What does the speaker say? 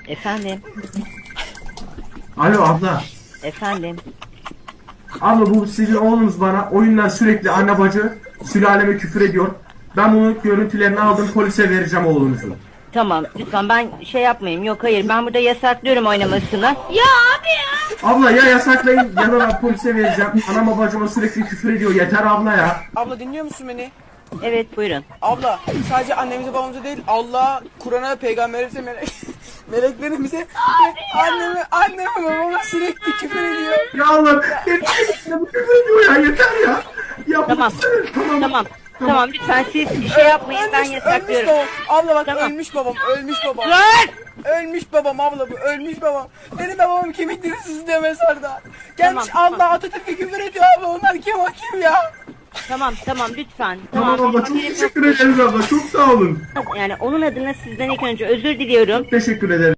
Efendim, Alo abla. efendim. Abla bu sizin oğlunuz bana oyundan sürekli anne bacı sülaleme küfür ediyor. Ben bunun görüntülerini aldım, polise vereceğim oğlunuzu. Tamam, lütfen ben şey yapmayayım. Yok hayır, ben burada yasaklıyorum oynamasını. Ya abi ya. Abla ya yasaklayın ya da ben polise vereceğim. Anama bacıma sürekli küfür ediyor. Yeter abla ya. Abla dinliyor musun beni? Evet, buyurun. Abla sadece annemize babamıza değil Allah, Kur'an'a, peygamberimize, meleklerimize anneme babama sürekli küfür ediyor. Ya Allah yeter. Bu küfür ediyor ya, yeter ya. Ya Tamam, tamam. tamam. Tamam, lütfen siz şey yapmayın, ben Ölmüş yasaklıyorum. babam. Abla bak Tamam. ölmüş babam. Dur! Ölmüş babam abla bu, ölmüş babam. Benim babam kemikleri sızlıyor mezarda. Gelmiş Tamam, Allah Atatürk'e küfür ediyor abla, onlar kim o kim ya? Tamam, lütfen. Tamam abla, çok Haberim yok. teşekkür ederiz abla. Çok sağ olun. Yani onun adına sizden ilk önce özür diliyorum. Teşekkür ederim.